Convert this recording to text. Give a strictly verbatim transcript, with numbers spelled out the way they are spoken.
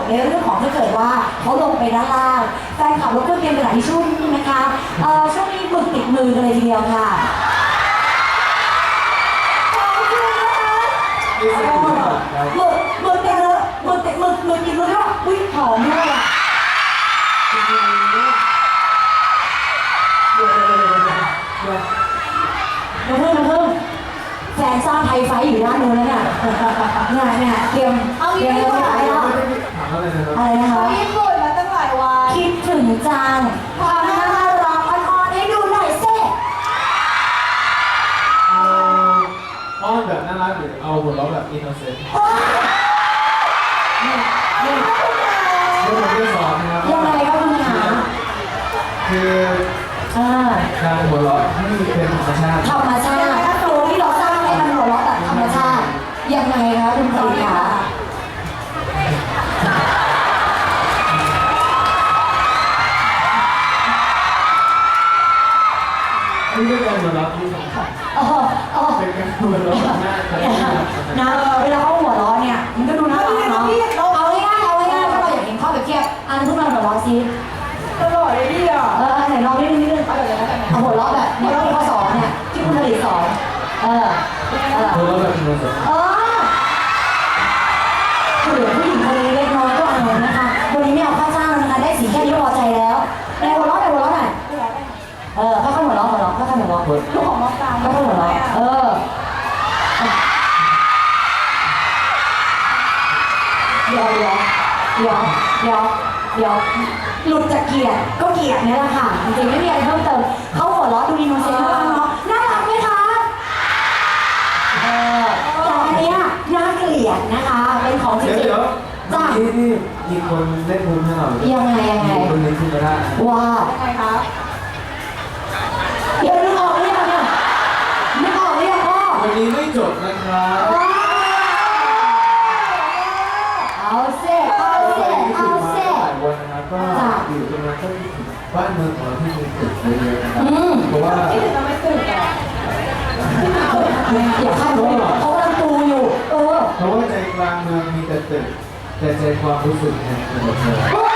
ในเรื่องของถ้าเกิดว่าเขาลงไปด้านล่างแฟนคลับรบกวนเตรียมกระดาษทิชชู่นิดนึงนะคะเอ่อช่วงนี้หมึกติดมือกันเลยทีเดียวค่ะขอบคุณนะคะหมึกหมึกติดเลยหมึกติดหมึกหมึกติดมือด้วยอุ้ยหอมด้วยอ่ะมาเพิ่มมาเพิ่มแฟนสร้างไทยไฟอยู่ด้านนู้นแล้วเนี่ยเนี่ยเนี่ยเตรียมเตรียมไว้แล้วอะไรนะคะญี่ปุ่นมาตั้งหลายวันคิดถึงจังทำน่ารักอ่อนๆให้ดูหน่อยสิอ้อนแบบน่ารักหรือเอาหัวเราะแบบอินโนเซนต์นี่นี่เรื่องผมจะสอนนะครับยังไงก็คุณหาคือการหัวเราะให้เป็นธรรมชาติธรรมชาติตัวที่เราสร้างให้มันหัวเราะแบบธรรมชาติยังไงคะคุณตีคะนี่เป็นการหัวเราะที่สำคัญเป็นการหัวเราะหน้านะเวลาเขาหัวเราะเนี่ยมันก็ดูน่ารักเนาะเอาง่ายๆเอาง่ายๆถ้าเราอยากเห็นข้อแบบเทียบอันทุกคนหัวเราะซิตลอดเลยพี่อ่ะเออไหนลองนิดนึงนิดนึงเอาหัวเราะแบบเนี่ยที่เขาสอนเนี่ยที่คุณผลิตสอนเออเออหัวเราะแบบอินโนเซนต์เออเหลือผู้หญิงคนนี้เล็กน้อยก็เอานะคะวันนี้ไม่เอาค่าจ้างนะคะได้สีแค่นี้พอใจแล้วในหัวเราะในหัวเราะหน่อยเออค่อยๆหัวเราะหัวเราะค่อยๆหัวเราะลูกของน้องตาค่อยๆหัวเราะเออเดี๋ยวเดี๋ยวเดี๋ยวเดี๋ยวเดี๋ยวหลุดจากเกียรติก็เกียรตินี่แหละค่ะจริงๆไม่มีอะไรเพิ่มเติมเขาหัวเราะดูอินโนเซนต์มากเนาะน่ารักไหมคะเออแต่อันเนี้ยน่าเกลียดนะคะเป็นของจริงๆจ้าที่ที่มีคนเล่นมุมให้เรายังไงยังไงคนนี้ขึ้นมาได้ว่ายังไงคะเดี๋ยวนึกออกหรือยังเนี่ยนึกออกหรือยังพ่อวันนี้ไม่จบนะครับเอาเซ่เอาเซ่เอาเซ่วันนะครับก็อยู่ตรงนั้นก็บ้านเมืองของเราที่มีตึกเยอะๆนะครับเพราะว่าที่ถึงจะไม่ตื่นอ่ะอย่าคาดหวังเขากำลังปูอยู่เออเพราะว่าใจกลางเมืองมีแต่ตึกแต่ใจความรู้สึกเนี่ยเป็นแบบเธอ